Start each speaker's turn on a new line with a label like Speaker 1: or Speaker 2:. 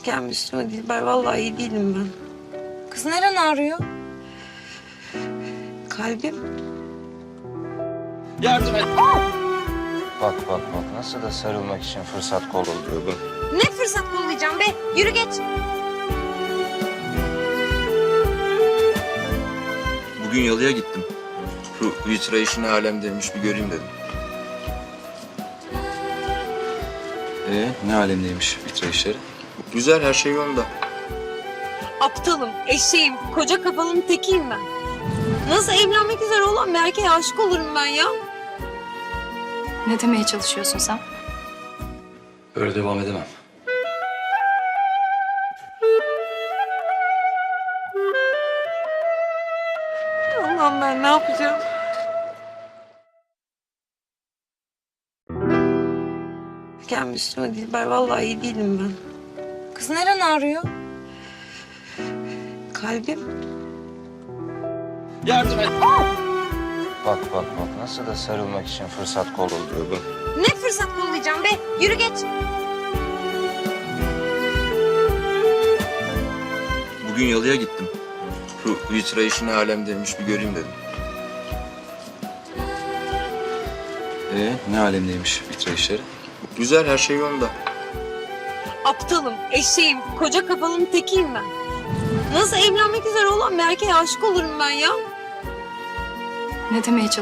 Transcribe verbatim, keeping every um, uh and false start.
Speaker 1: Gelme üstüme Dilber. Vallahi iyi değilim ben.
Speaker 2: Kız neren ağrıyor?
Speaker 1: Kalbim.
Speaker 3: Yardım et. Bak bak bak nasıl da sarılmak için fırsat kolluyor bak.
Speaker 2: Ne fırsat kollayacağım be? Yürü geç.
Speaker 3: Bugün yalıya gittim. Şu vitra işi ne alemdeymiş bir göreyim dedim. Ee, ne alemdeymiş vitra işleri? Güzel, her şey yolunda.
Speaker 1: Aptalım, eşeğim, koca kafalının tekiyim ben. Nasıl evlenmek üzere olan bir erkeğe aşık olurum ben ya?
Speaker 2: Ne demeye çalışıyorsun sen?
Speaker 3: Öyle devam edemem.
Speaker 1: Allah'ım ben ne yapacağım? Gelme üstüme Dilber. Vallahi iyi değilim ben.
Speaker 2: Kız neren ağrıyor?
Speaker 1: Kalbim.
Speaker 3: Yardım et. Bak bak bak nasıl da sarılmak için fırsat kolluyor bak.
Speaker 2: Ne fırsat kollayacağım be? Yürü geç.
Speaker 3: Bugün yalıya gittim. Şu vitra işi ne alemdeymiş bir göreyim dedim. Ee, ne alemdeymiş vitra işleri? Güzel, her şey yolunda.
Speaker 1: Aptalım, eşeğim, koca kafalının tekiyim ben. Nasıl evlenmek üzere olan bir erkeğe aşık olurum ben ya?
Speaker 2: Ne demeye çalışıyorsun?